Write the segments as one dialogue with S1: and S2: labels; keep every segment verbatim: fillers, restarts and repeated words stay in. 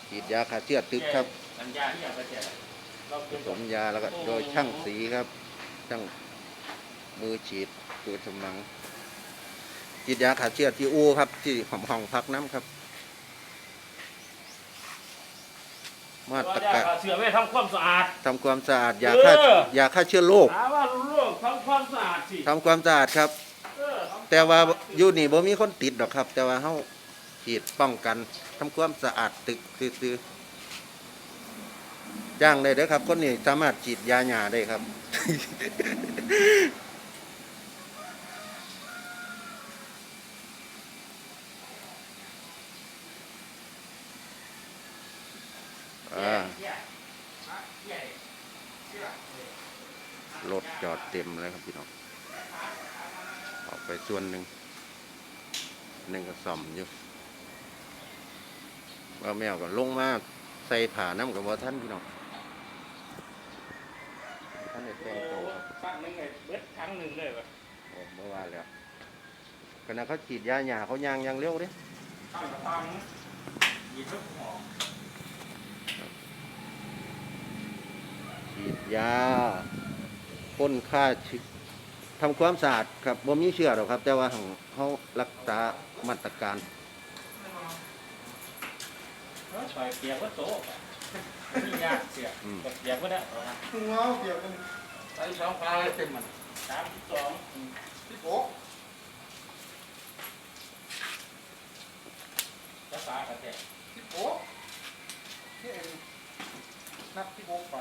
S1: ฉีดยาฆ่าเชื้อตึกครับ
S2: สัญญาที่อยากไปแจก
S1: ผสมยาแล้วก็โดยช่างสีครับช่างมือฉีดตัวสมังฉีดยาฆ่าเชื้อที่อูครับที่ห้องห้องพักน้ำครับมาตรการ
S2: เสือไว้ทำความสะอาด
S1: ทำความสะอาดยาฆ่ายาฆ่าเชื้อโรค
S2: ถามว่าโรคทำความสะอาดสิ
S1: ทำความสะอาดครับแต่ว่าอยู่นี่บ่มีคนติดหรอกครับแต่ว่าเฮาฉีดป้องกันทำความสะอาดตึกซื่อๆจ้างได้เด้อครับคนนี้สามารถฉีดยาหญ้าได้ครับ รถจอดเต็มเลยครับพี่น้องออกไปส่วนหนึ่งหนึ่งก็ซ่อมอยู่ว่าแมวก็ลงมาใส่ผ่าน้ำกับว่าท่านพี่น้องท่านได้แต่งตัว
S2: ครั้งหนึ่งเลยเบิดครั้งหนึ่งเลย
S1: ผมเมื่อวานแล้วขณะเขาฉีดยาหญ้าเขายางยางเร็วดิ
S2: ตั้งกระปังยีทุกหอ
S1: ฉีดยาพ่นฆ่าเชื้อทำความสะอาดครับบ่มีเชื้อหรอกครับแต่ว่าเขารักษามาตรการ
S2: ใส่เปียกก็โตนี่ยากเสียเปียกก็ได้
S3: หัวเปียกมัน
S2: ใส่สองปลาเต็มมันสามสิบสอง
S3: สิบหก
S2: ภาษากระแทก
S3: สิบหกนี่นับสิบหกปลา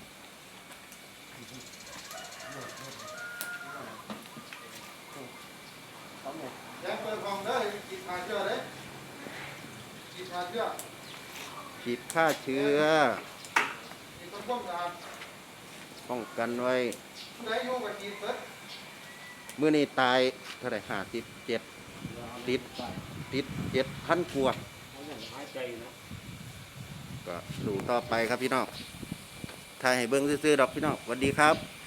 S3: ยังเปิดกล่องได้กินขาเชื้อเลยกินขาเชื้อ
S1: ฉีดฆ่าเชื้อ
S3: กินต้นป้องกัน
S1: ป้องกันไว้
S3: ผู้ใดอยู่กับกินเปิด
S1: เมื่อนี้ตายเท่าไหร่ห้าสิบเจ็ดติดติดเจ็ดพันกว่าก็สู่ต่อไปครับพี่น้องถ่ายให้เบิ้งซื่อๆดอกพี่น้องสวัสดีครับ